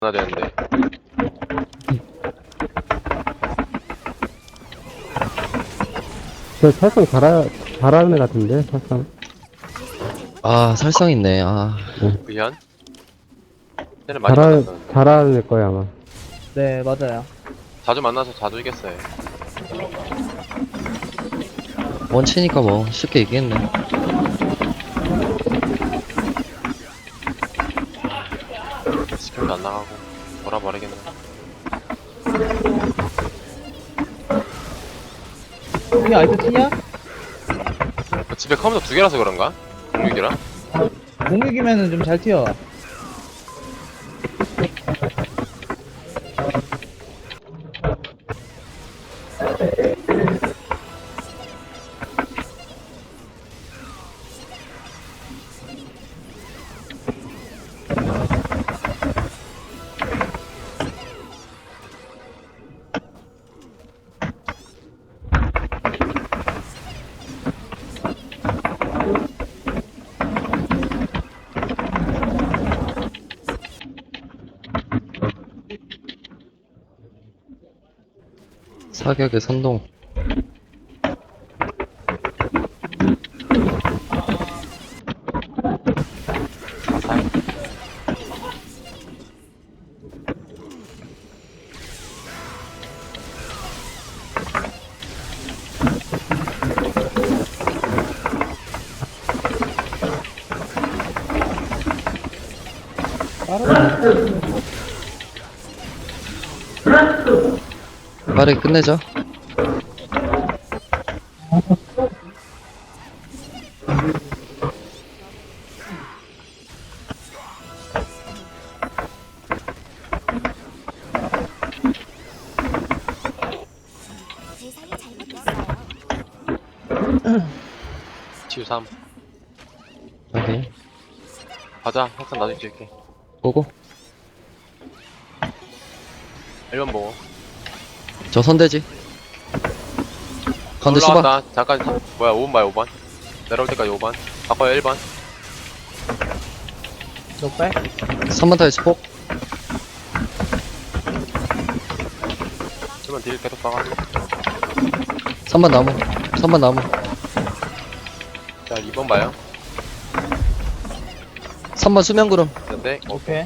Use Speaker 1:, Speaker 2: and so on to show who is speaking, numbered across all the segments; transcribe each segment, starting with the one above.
Speaker 1: 하나 되는데.
Speaker 2: 저 살성 잘하는 애 같은데, 살성.
Speaker 3: 아, 살성 있네. 아,
Speaker 1: 의현? 쟤는 많이 만났었는데.
Speaker 2: 잘하는 애 거야, 아마.
Speaker 4: 네, 맞아요.
Speaker 1: 자주 만나서 자주 이겼어요.
Speaker 3: 원치니까 뭐 쉽게 이기겠네.
Speaker 1: 스킬도 안 나가고 돌아버리겠네.
Speaker 4: 형이 아이스 치냐?
Speaker 1: 집에 컴퓨터 두 개라서 그런가? 06이랑?
Speaker 4: 공격이면은 좀 잘 튀어.
Speaker 3: 사격의 선동. 빠르게 끝내자.
Speaker 5: 세상이 잘못됐어요.
Speaker 1: 치유 3.
Speaker 3: 오케이.
Speaker 1: 가자. 항상 나중에 찍을게.
Speaker 3: 보고.
Speaker 1: 1번 보고.
Speaker 3: 저 선대지. 가운데 수박.
Speaker 1: 올라왔다. 잠깐. 뭐야 5번 봐요 5번. 내려올 때까지 5번. 바꿔요 1번.
Speaker 4: 녹발?
Speaker 3: 3번 타이즈 폭.
Speaker 1: 1번 딜 계속 박아.
Speaker 3: 3번 나무. 3번 나무.
Speaker 1: 자 2번 봐요.
Speaker 3: 3번 수면구름.
Speaker 1: 근데
Speaker 4: 오케이.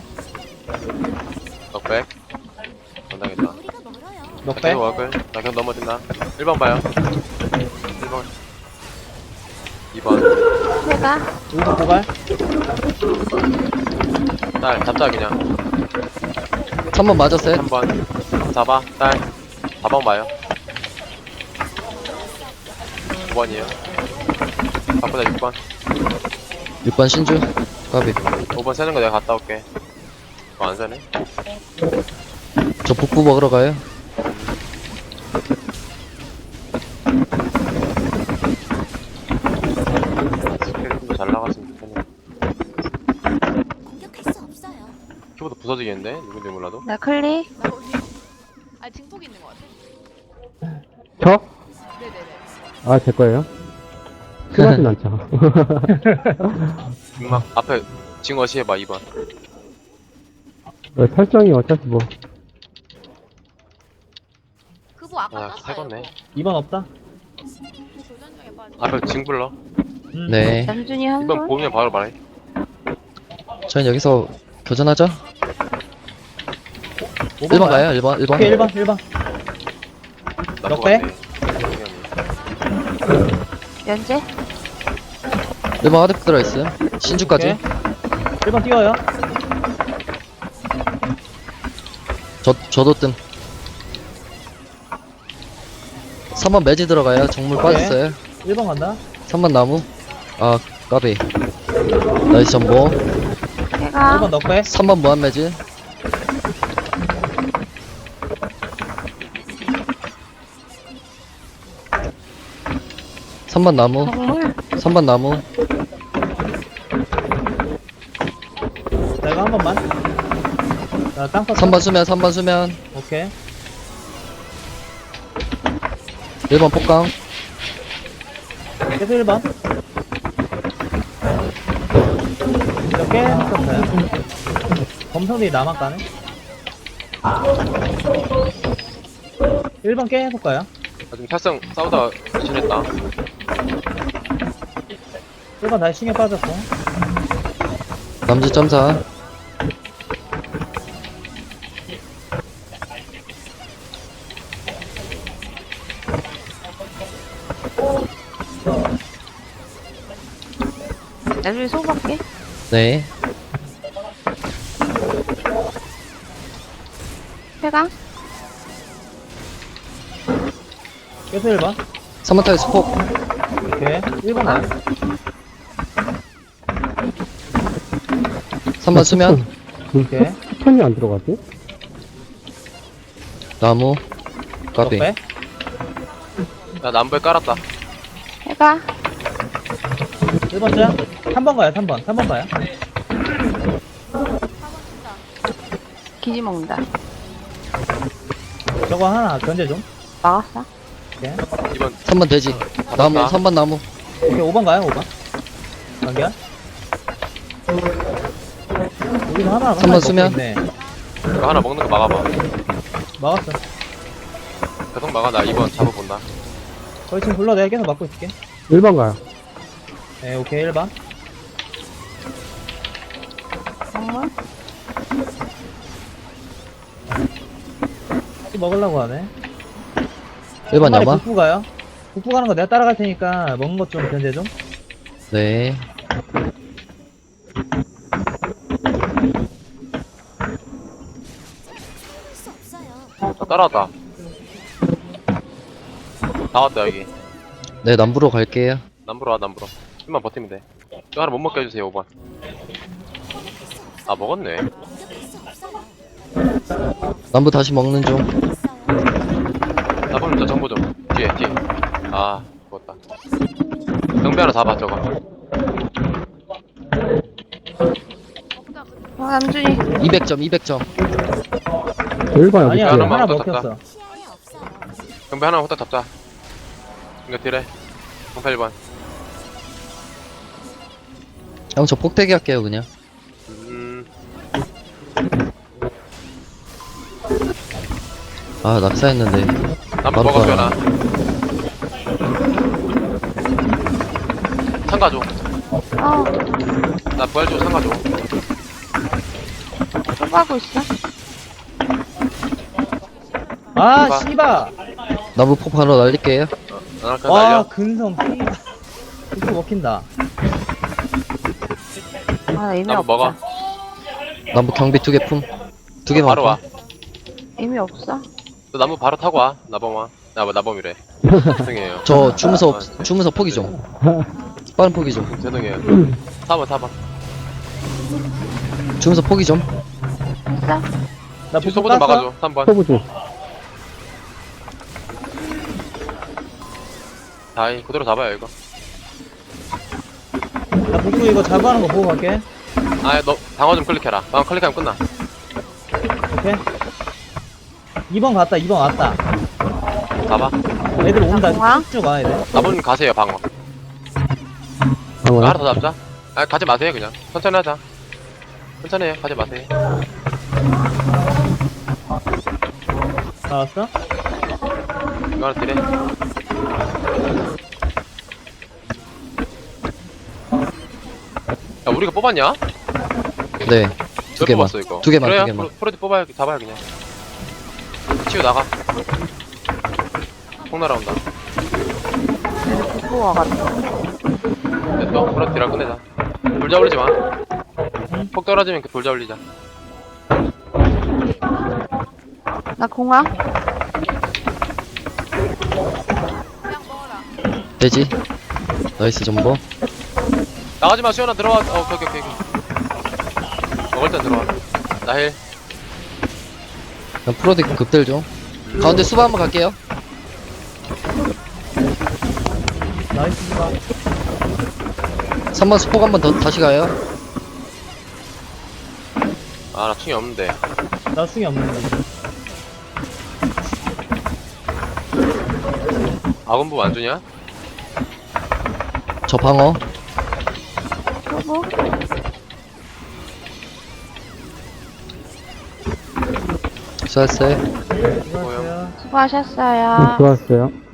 Speaker 1: 넉백. 안 당했다.
Speaker 5: 우리가 멀어요.
Speaker 4: 녹발?
Speaker 1: 계속 워글. 나 계속 넘어진다. 1번 봐요. 1번. 2번.
Speaker 5: 내가
Speaker 4: 우선 고갈?
Speaker 1: 딸 잡자 그냥.
Speaker 3: 3번 맞았어요.
Speaker 1: 3번. 잡아. 딸. 4번 봐요. 5번이에요. 바꾸자 6번.
Speaker 3: 6번 신주. 까비.
Speaker 1: 5번 세는 거 내가 갔다 올게. 안 세네?
Speaker 3: 저 북부 먹으러 가요.
Speaker 1: 스킬이 좀 더 잘 나갔으면 좋겠네.
Speaker 5: 공격할 수 없어요.
Speaker 1: 키보드 부서지겠는데? 누군지 몰라도?
Speaker 6: 나 클릭.
Speaker 7: 아 증폭 있는 것 같아.
Speaker 2: 저?
Speaker 7: 네네네.
Speaker 2: 아, 제 거예요? 심하진 않죠.
Speaker 1: 막 앞에 징어시 해봐 2번.
Speaker 2: 설정이 어차피 뭐.
Speaker 7: 그거 아까
Speaker 1: 아
Speaker 7: 땄어요.
Speaker 1: 새건네.
Speaker 4: 2번 없다?
Speaker 7: 도전 중에 빠져.
Speaker 1: 앞에 징 불러.
Speaker 3: 네.
Speaker 6: 남준이 한
Speaker 1: 2번
Speaker 6: 손.
Speaker 1: 보면 바로 말해.
Speaker 3: 저희 여기서 교전하죠. 1번 가요. 1번. 1번.
Speaker 4: 오케이, 1번, 1번. 넉 배?
Speaker 6: 연재.
Speaker 3: 1번 하드프 들어있어요. 신주까지.
Speaker 4: 오케이. 1번 띄워요.
Speaker 3: 저도 뜸. 3번 매지 들어가요. 정물
Speaker 4: 오케이.
Speaker 3: 빠졌어요.
Speaker 4: 1번 간다.
Speaker 3: 3번 나무. 아, 까비. 나이스 전보.
Speaker 6: 내가
Speaker 4: 1번 넉배.
Speaker 3: 3번 무한 매지. (3번) 나무.
Speaker 6: 정물.
Speaker 3: 3번 나무.
Speaker 4: 자, 이거 한 번만. 자, 땅 쳤어.
Speaker 3: 3번 수면. 3번 수면.
Speaker 4: 오케이.
Speaker 3: 1번 폭강.
Speaker 4: 계속 1번. 이렇게 했었어요. 검성들이 나만 까네? 1번 깨 해볼까요?
Speaker 1: 나 지금 살상 싸우다가 지냈다.
Speaker 4: 1번 다시 신경 빠졌고.
Speaker 3: 남주 점사.
Speaker 6: 나중에 소박게.
Speaker 3: 네.
Speaker 6: 쾌강.
Speaker 4: 계속 1번.
Speaker 3: 3번 타기 스폭.
Speaker 4: 오케이. 1번 나요.
Speaker 3: 3번 수면.
Speaker 4: 오케이.
Speaker 2: 편이 안 들어가지?
Speaker 3: 나무. 까비.
Speaker 4: 적배.
Speaker 1: 나 남부에 깔았다.
Speaker 6: 쾌강.
Speaker 4: 1번 짱. 3번 가요, 3번. 3번 가요.
Speaker 7: 4번 친다.
Speaker 6: 기지 먹는다.
Speaker 4: 저거 하나 견제 좀.
Speaker 6: 막았어.
Speaker 4: 오케이.
Speaker 1: 2번
Speaker 3: 3번 돼지. 나무.
Speaker 1: 나.
Speaker 3: 3번 나무.
Speaker 4: 오케이, 5번 가요, 5번. 연결. 여기서 하나, 하나
Speaker 3: 3번 수면.
Speaker 4: 있네.
Speaker 1: 이거 하나 먹는 거 막아봐.
Speaker 4: 막았어.
Speaker 1: 계속 막아. 나 2번 잡아본다.
Speaker 4: 거의 지금 불러 내가 계속 막고 있을게.
Speaker 2: 1번 가요.
Speaker 4: 네, 오케이, 1번.
Speaker 6: 정말?
Speaker 4: 먹으려고 하네.
Speaker 3: 1번
Speaker 4: 한 마리
Speaker 3: 야마.
Speaker 4: 북부 가요. 북부 가는 거 내가 따라갈 테니까 먹는 것 좀 견제 좀.
Speaker 3: 네.
Speaker 5: 수 없어요.
Speaker 1: 나 따라왔다. 나왔다 여기.
Speaker 3: 네, 남부로 갈게요.
Speaker 1: 남부로 와 남부로. 좀만 버티면 돼. 이거 하나 못 먹게 해주세요 5번. 아 먹었네.
Speaker 5: 공격할 수 없어요.
Speaker 3: 남부 다시 먹는 중.
Speaker 5: 있어요.
Speaker 1: 나보면 저 정보 좀. 뒤에. 아 죽었다. 경비 하나 잡아 저거.
Speaker 7: 먹자. 그
Speaker 6: 남준이.
Speaker 3: 200점, 200점.
Speaker 2: 1번 여기
Speaker 4: 아니야,
Speaker 2: 있어요.
Speaker 1: 하나만
Speaker 4: 하나
Speaker 1: 더
Speaker 4: 먹혔어.
Speaker 5: 시야에 없어요.
Speaker 1: 경비 하나 후딱 잡자. 이거 딜해. 08번.
Speaker 3: 형, 저 폭대기 할게요, 그냥. 아, 낙사했는데.
Speaker 1: 남부
Speaker 3: 바로
Speaker 1: 먹었어
Speaker 3: 가요.
Speaker 1: 나. 상가줘.
Speaker 6: 어,
Speaker 1: 나 부활 줘 상가줘.
Speaker 6: 소박하고 있어.
Speaker 4: 아,
Speaker 1: 봐.
Speaker 4: 씨바!
Speaker 3: 남부 폭 바로 날릴게요.
Speaker 1: 나 그냥
Speaker 4: 와,
Speaker 1: 날려.
Speaker 4: 근성, 씨바. 이렇게 먹힌다.
Speaker 6: 아, 의미
Speaker 1: 남부 먹어.
Speaker 6: 없다.
Speaker 3: 남부 경비 2개 품. 2개만.
Speaker 1: 바로 와.
Speaker 6: 의미 없어.
Speaker 1: 너 나무 바로 타고 와. 나범 와. 나범이래. 죄송해요.
Speaker 3: 저 주문서 포기 좀. 빠른 포기 좀.
Speaker 1: 죄송해요. 4번.
Speaker 3: 주문서 포기 좀.
Speaker 6: 했어?
Speaker 4: 나
Speaker 1: 지금
Speaker 4: 북부
Speaker 1: 소부 좀
Speaker 4: 깠어?
Speaker 1: 막아줘. 3번.
Speaker 2: 소부 중.
Speaker 1: 다이 그대로 잡아요 이거.
Speaker 4: 나 북부 이거 자부하는 거 보고 갈게.
Speaker 1: 아 너 방어 좀 클릭해라. 방어 클릭하면 끝나.
Speaker 4: 오케이. 2번 갔다, 2번 왔다.
Speaker 1: 잡아.
Speaker 4: 애들 온다.
Speaker 6: 공항?
Speaker 4: 쭉쭉 와, 애들.
Speaker 1: 나머지는 가세요 방어.
Speaker 2: 방어요?
Speaker 1: 하나 더 잡자. 아 가지 마세요 그냥. 천천히 하자. 천천히 해요. 가지 마세요.
Speaker 4: 나왔어?
Speaker 1: 이거 하나 딜해. 야 우리가 뽑았냐?
Speaker 3: 네. 두
Speaker 1: 몇
Speaker 3: 개만.
Speaker 1: 뽑았어 이거?
Speaker 3: 두 개만,
Speaker 1: 그래요?
Speaker 3: 두 개만.
Speaker 1: 프로디 뽑아야 잡아요 그냥. 치우 나가. 폭 날아온다.
Speaker 6: 북부 와가지고.
Speaker 1: 됐어. 프로디 딜랑 끝내자. 돌자 올리지 마. 폭 떨어지면 그 돌자 올리자.
Speaker 6: 나 공항?
Speaker 7: 그냥 먹어라.
Speaker 3: 돼지. 나이스 정보.
Speaker 1: 나가지 마 수연아 들어와. 오케이. 먹을 땐 들어와. 나 힐.
Speaker 3: 그냥 프로디 급들 좀. 가운데 수바 한번 갈게요.
Speaker 4: 나이스, 씨바.
Speaker 3: 3번 수폭 한번 더 다시 가요.
Speaker 1: 아 나 충이 없는데.
Speaker 4: 나 승이 없는데.
Speaker 1: 아군부 안 주냐?
Speaker 3: 저 방어.
Speaker 6: 소부?
Speaker 3: 수고했어요.
Speaker 4: 수고하세요.
Speaker 6: 수고하셨어요.
Speaker 2: 좋았어요.